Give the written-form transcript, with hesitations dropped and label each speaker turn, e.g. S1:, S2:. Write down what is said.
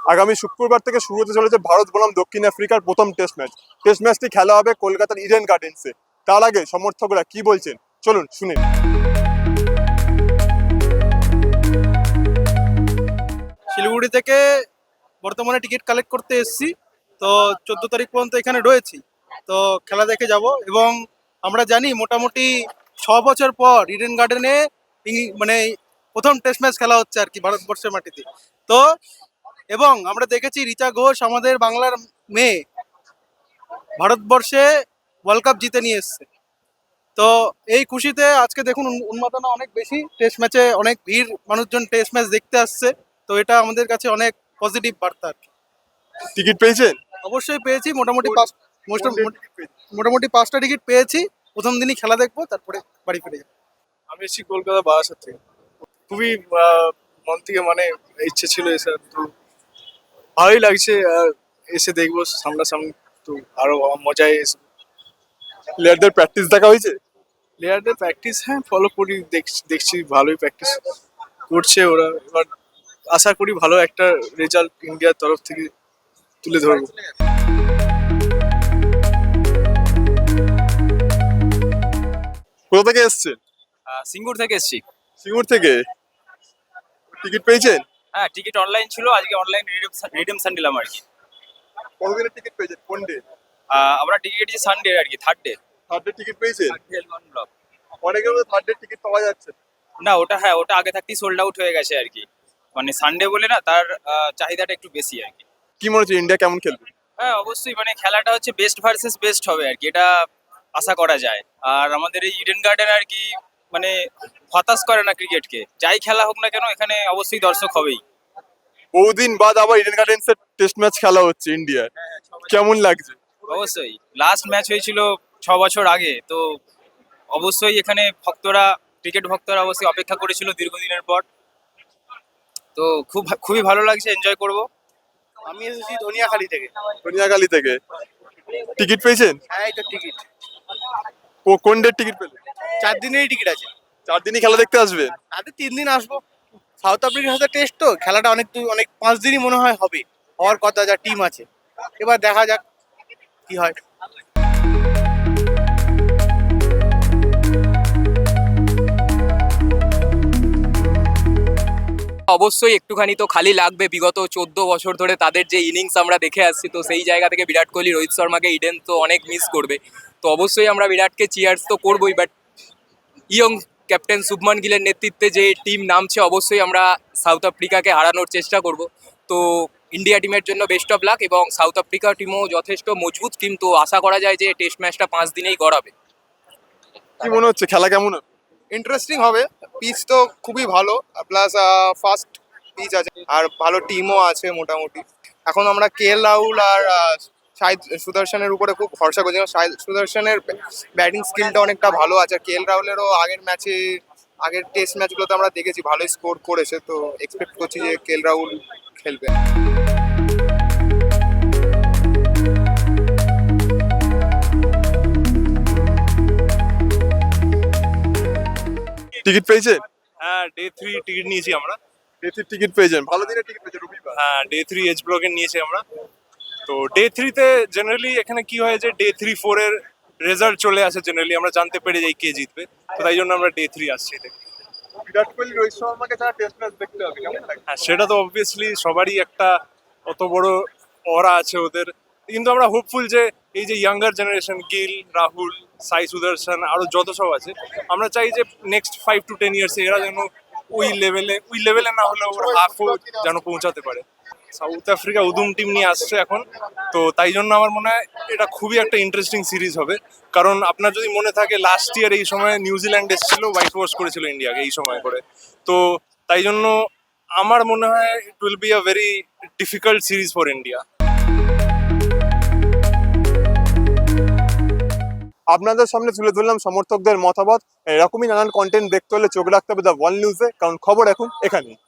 S1: আগামী শুক্রবার থেকে শুরু হতে চলেছে ভারত বনাম দক্ষিণ আফ্রিকার প্রথম টেস্ট ম্যাচ। টেস্ট ম্যাচটি খেলা হবে কলকাতার ইডেন গার্ডেন্সে। তার আগে সমর্থকরা কি বলছেন চলুন শুনি।
S2: শিলিগুড়ি থেকে বর্তমানে টিকিট কালেক্ট করতে এসেছি, তো 14 তারিখ পর্যন্ত এখানে রয়েছি। তো খেলা দেখে যাব এবং আমরা জানি মোটামুটি 6 বছর পর ইডেন গার্ডেনে মানে প্রথম টেস্ট ম্যাচ খেলা হচ্ছে আর কি ভারতবর্ষের মাটিতে। তো এবং আমরা দেখেছি রিচা ঘোষ আমাদের বাংলার মেয়ে ভারতবর্ষে ওয়ার্ল্ড কাপ জিতে নিয়ে এসছে। তো এই খুশিতে আজকে দেখুন উন্মাদনা অনেক বেশি, টেস্ট ম্যাচে অনেক ভিড়, মানুষজন টেস্ট ম্যাচ দেখতে আসছে। তো এটা আমাদের কাছে অনেক পজিটিভ বার্তা আর কি।
S1: টিকিট পেয়েছেন?
S2: অবশ্যই পেয়েছি, মোটামুটি 5টা টিকিট পেয়েছি। প্রথম দিনই খেলা দেখবো, তারপরে বাড়ি ফিরে যাবো।
S3: আমি এসেছি কলকাতা বারাসাত থেকে। খুবই মন থেকে মানে ইচ্ছে ছিল এসে, তো ভালোই লাগছে। এসে দেখবো সামনাসামনি, তো আরো মজায় এসে।
S1: প্লেয়ারদের প্র্যাকটিস দেখা হয়েছে?
S3: প্লেয়ারদের প্র্যাকটিস হ্যাঁ ফলো করি, দেখছি ভালোই প্র্যাকটিস করছে ওরা। এবার আশা করি ভালো একটা রেজাল্ট ইন্ডিয়ার তরফ থেকে তুলে ধরবো।
S1: কোথা থেকে এসছেন?
S4: সিঙ্গুর থেকে এসেছি।
S1: সিঙ্গুর থেকে। টিকিট পেয়েছেন?
S4: হ্যাঁ, টিকিট অনলাইন ছিল, আজকে অনলাইন রিডিমশন নিলাম আর কি।
S1: কতদিনের টিকিট পেয়েছেন? কোন ডে?
S4: আমরা টিকিট কেটেছি সানডে আর কি, third day.
S1: Third day ticket পেয়েছেন?
S4: ব্লক।
S1: অনেকের মধ্যে থার্ড ডে টিকিট পাওয়া যাচ্ছে না।
S4: না, ওটা আগে থাকতেই সোল্ড আউট হয়ে গেছে আর কি। মানে সানডে বলে না, তার চাহিদাটা একটু বেশি আর কি।
S1: কি মনে হচ্ছে ইন্ডিয়া কেমন খেলবে?
S4: হ্যাঁ, অবশ্যই মানে খেলাটা হচ্ছে বেস্ট ভার্সেস বেস্ট হবে আর কি, এটা আশা করা যায়। আর আমাদের এই ইডেন গার্ডেন আর কি মানে হতাশ করে না ক্রিকেটকে, যাই খেলা হোক না কেন এখানে অবশ্যই দর্শক হবেই।
S1: বহুদিন বাদ আবার ইডেন গার্ডেন্সে টেস্ট ম্যাচ খেলা হচ্ছে ইন্ডিয়ার, কেমন লাগছে?
S4: অবশ্যই লাস্ট ম্যাচ হয়েছিল 6 বছর আগে, তো অবশ্যই এখানে ক্রিকেট ভক্তরা অবশ্যই অপেক্ষা করেছিল দীর্ঘদিনের পর। তো খুবই ভালো লাগছে, এনজয় করব।
S2: আমি এসেছি ধনিয়াখালী থেকে।
S1: ধনিয়াখালী থেকে। টিকিট পেয়েছেন?
S2: হ্যাঁ, এটা টিকিট
S1: কোন ডেট টিকিট পেলেন?
S2: 4 দিনেরই টিকিট আছে।
S1: 4 দিনই খেলা দেখতে আসবেন?
S2: তাতে 3 দিন আসবো। সাউথ আফ্রিকার সাথে টেস্ট, তো খেলাটা অনেক 5 দিনই মনে হয় হবে, হওয়ার কথা, যা টিম আছে। এবার দেখা যাক কি হয়।
S5: অবশ্যই একটুখানি তো খালি লাগবে, বিগত 14 বছর ধরে তাদের যে ইনিংস আমরা দেখে আসছি, তো সেই জায়গা থেকে বিরাট কোহলি, রোহিত শর্মাকে ইডেন তো অনেক মিস করবে। তো অবশ্যই আমরা বিরাটকে চিয়ার্স তো করবোই, বাট ইয়ং ক্যাপ্টেন শুভমান গিলের নেতৃত্বে যে টিম নামছে, অবশ্যই আমরা সাউথ আফ্রিকাকে হারানোর চেষ্টা করব। তো ইন্ডিয়া টিমের জন্য বেস্ট অফ লাক, এবং সাউথ আফ্রিকা টিমও যথেষ্ট মজবুত টিম, তো আশা করা যায় যে টেস্ট ম্যাচটা 5 দিনেই গড়াবে।
S1: কি মনে হচ্ছে খেলা কেমন হবে?
S2: ইন্টারেস্টিং হবে, পিচ তো খুবই ভালো, প্লাস ফাস্ট পিচ আছে, আর ভালো টিমও আছে মোটামুটি। এখন আমরা KL রাহুল আর শাহিদ সুদর্শনের উপরে খুব ভরসা করছি, শাহিদ সুদর্শনের ব্যাটিং স্কিলটা অনেকটা ভালো আছে। KL রাহুলেরও আগের টেস্ট ম্যাচগুলোতে আমরা দেখেছি ভালোই স্কোর করেছে, তো এক্সপেক্ট করছি যে KL রাহুল খেলবে।
S1: টিকিট পেয়েছেন?
S3: হ্যাঁ, ডে 3 টিকিট নিয়েছি আমরা।
S1: ডে 3 টিকিট পেয়েছেন? ভালো দিনের টিকিট পেয়েছেন রবিবার?
S3: হ্যাঁ, ডে 3 এইচ ব্লকের নিয়েছি আমরা। তো ডে 3-তে জেনারেলি এখানে কি হয় যে ডে 3-4 এর রেজাল্ট চলে আসে, জেনারেলি আমরা জানতে পেরে যাই কে জিতবে। তো তাই জন্য আমরা ডে 3 আসছি দেখতে।
S1: বিরাট কোহলি রোহিত শর্মাকে ছাড়া টেস্ট ম্যাচ দেখতে হবে, কেমন লাগে?
S3: হ্যাঁ, সেটা তো অবভিয়াসলি সবারই একটা অত বড় অরা আছে ওদের, কিন্তু আমরা হোপফুল যে এই যে ইয়াঙ্গার জেনারেশন, গিল, রাহুল, সাই সুদর্শন, আরো যত সব আছে, আমরা চাই যে নেক্সট 5 to 10 ইয়ার্স এরা যেন ওই লেভেলে না হলেও ওরা হাফও যেন পৌঁছাতে পারে। সাউথ আফ্রিকা উদুম টিম নিয়ে আসছে এখন, তো তাই জন্য আমার মনে হয় এটা খুবই একটা ইন্টারেস্টিং সিরিজ হবে। কারণ আপনার যদি মনে থাকে লাস্ট ইয়ার এই সময় নিউজিল্যান্ড এসেছিল, হোয়াইট ওয়াশ করেছিল ইন্ডিয়াকে এই সময় করে। তো তাই জন্য আমার মনে হয় it will be a very difficult series for India.
S1: আপনাদের সামনে তুলে ধরলাম সমর্থকদের মতামত। এরকমই নানান কন্টেন্ট দেখতে হলে চোখ রাখতে হবে দ্য ওয়ার্ল্ড নিউজে, কারণ খবর এখন এখানেই।